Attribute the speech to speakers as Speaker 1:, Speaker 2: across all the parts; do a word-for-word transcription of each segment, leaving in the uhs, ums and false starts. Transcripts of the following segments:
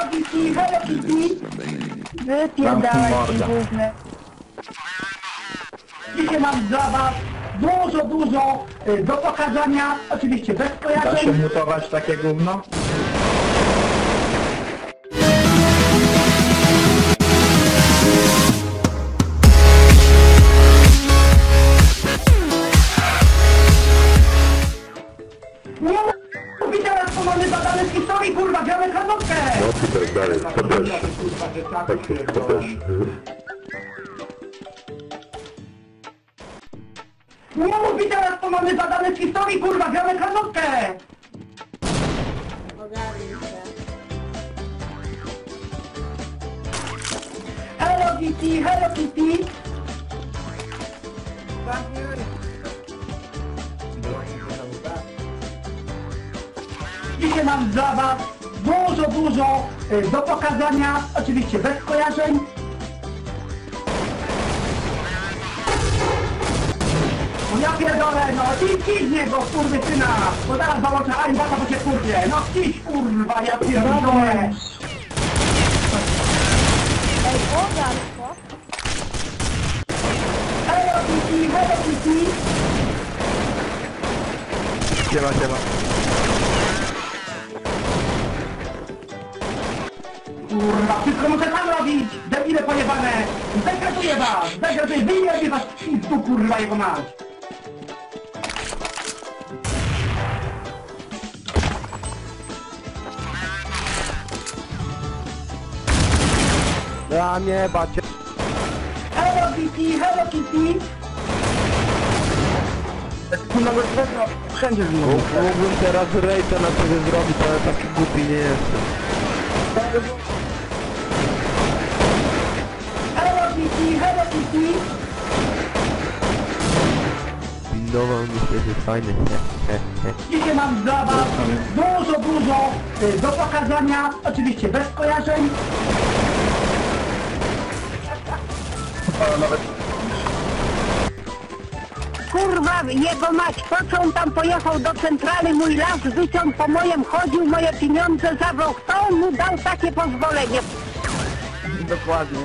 Speaker 1: Kitty, Hello Kitty! Wypierdalaj się główny. Dzisiaj mam dla was dużo, dużo y, do pokazania, oczywiście bez
Speaker 2: Da się
Speaker 1: kojarzeń.
Speaker 2: mutować takie gówno?
Speaker 1: Nie mówi teraz, bo mamy badane z historii, kurwa, gramy karnotkę!
Speaker 3: No i tak dalej, to też, tak, to też.
Speaker 1: Nie mówi teraz, bo mamy badane z historii, kurwa, gramy karnotkę! Hello Kitty, Hello Kitty! Dzisiaj mam dla was dużo, dużo y, do pokazania, oczywiście bez kojarzeń. No ja pierdolę, no idź, idź z niego, kurwysyna, bo zaraz załączę aimbata, bo cię kurwie, no idź, kurwa, ja pierdolę.
Speaker 4: Ej, ogar, co?
Speaker 1: Hello Kitty, Hello Kitty!
Speaker 2: Siema, siema.
Speaker 1: Kurwa, wszystko muszę sam robić! Debile pojebane! Degraduję was! Degraduję! Wyjebie was w pizdu, kurwa, jego mać!
Speaker 2: Ja nie bacie.
Speaker 1: Hello Kitty, Hello Kitty!
Speaker 2: Nawet wszędzie z mógł. Mógłbym teraz rejta na ciebie zrobić, ale taki głupi nie jestem.
Speaker 1: Hello Kitty, Hello Kitty!
Speaker 2: Windował mi się, że jest fajny.
Speaker 1: Dzisiaj mam dla was dużo, dużo y, do pokazania, oczywiście bez kojarzeń.
Speaker 4: Kurwa, jego mać, po co on tam pojechał do centrali, mój las wyciął po mojem, chodził, moje pieniądze zabrał, kto on mu dał takie pozwolenie?
Speaker 2: Dokładnie.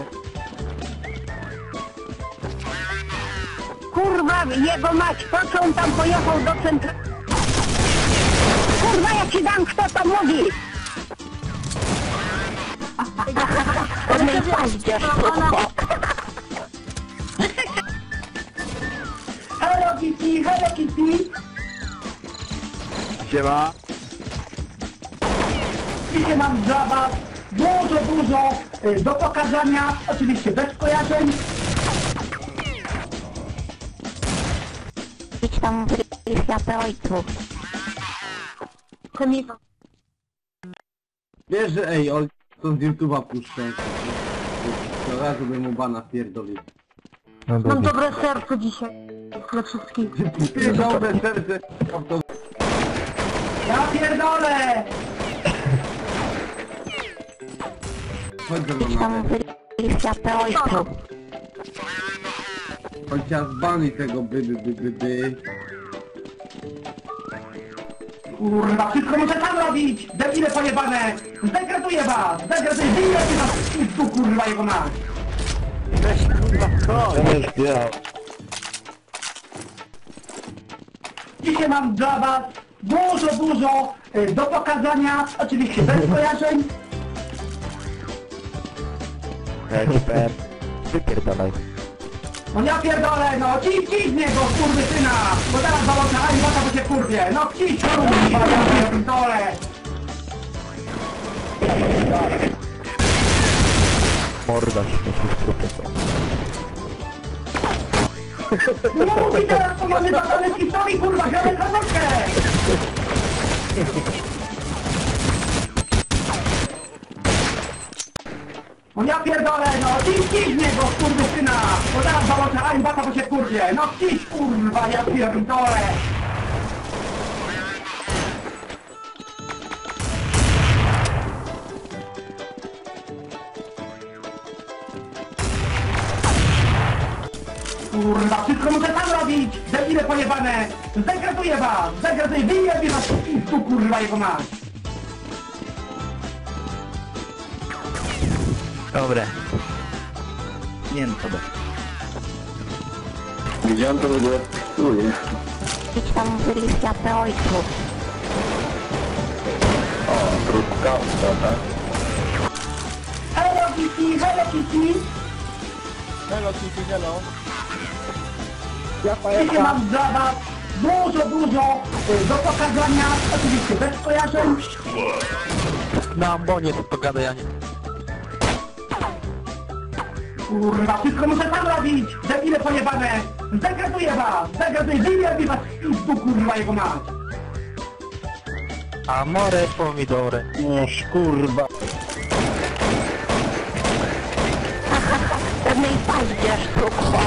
Speaker 4: Kurwa, jego mać, po co on tam pojechał do centrali? Kurwa, ja ci dam, kto to mówi! On nie paździerz,
Speaker 1: Hello Kitty, Hello Kitty!
Speaker 2: Siema.
Speaker 1: Dzisiaj mam dla was dużo, dużo y, do pokazania, oczywiście bez kojarzeń.
Speaker 4: Idź tam w światę ojcu.
Speaker 5: Wiesz, że ej, oj, to z YouTube'a puszczę. To razu bym mu bana wpierdolił.
Speaker 4: Mam dobre serce dzisiaj. Dla wszystkich.
Speaker 5: Ty dobre serce. To...
Speaker 1: Ja pierdolę!
Speaker 5: Chodź ze mną
Speaker 4: Idź tam
Speaker 5: nawet.
Speaker 4: w światę ojcu.
Speaker 5: Chociaż banuj tego by, by, by, by, by.
Speaker 1: Kurwa, wszystko muszę sam robić! Debile pojebane! Zdegraduję was! Zdegraduję! Wyjebie was w pizdu, kurwa, jego mać! Dzisiaj mam dla was dużo, dużo y, do pokazania, oczywiście bez kojarzeń.
Speaker 2: Ekspert. Wypierdalaj.
Speaker 1: No ja pierdolę, no ciś, ciś z niego, skurwysyna! Bo zaraz załączę aimbata, bo cię kurwie! No ciś, kurwa, ja pierdolę!
Speaker 2: Morda śmieci w trupie są.
Speaker 1: No mówi teraz, to mamy badane z historii, kurwa, gramy karnotkę! No ja pierdolę, no ciś, ciś z niego, skurwysyna! Bo zaraz załączę aimbata, bo cię kurwie! No ciś, kurwa, ja pierdolę! Kurwa, wszystko muszę sam robić! Debile pojebane! Zdegraduję was! Zdegraduję! Wyjebie was w pizdu, kurwa, jego mać!
Speaker 2: Dobre. Nie no, dobra.
Speaker 3: Gdzie on to w ogóle czuje?
Speaker 4: Idź tam byli światę ojcu.
Speaker 3: O, truskawka, tak?
Speaker 1: Hello Kitty, hello Kitty!
Speaker 2: Hello, Kitty, hello.
Speaker 1: Dzisiaj mam dla was dużo, dużo y, do pokazania, oczywiście bez kojarzeń.
Speaker 2: Na ambonie to pogadaj, a nie.
Speaker 1: Kurwa, wszystko muszę sam robić! Debile pojebane! Zdegraduję was! Zdegraduję! Wyjdę was z pizdu, kurwa, jego mać!
Speaker 2: Amore pomidore. Noż kurwa.
Speaker 4: Pewnej paździerz tu.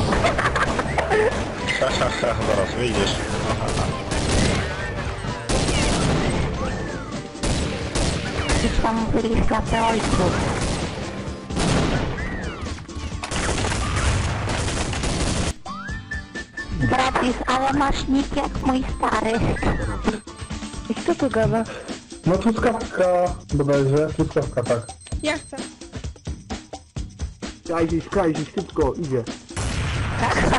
Speaker 3: Ha, ha, ha, zaraz wyjdziesz.
Speaker 4: Idź tam byli światę ojcu. Bratis, ale masz nick jak mój stary. I kto tu gada?
Speaker 3: No truskawka, bodajże, truskawka, tak.
Speaker 6: Ja chcę.
Speaker 5: Krajziś, krajziś, szybko, idzie.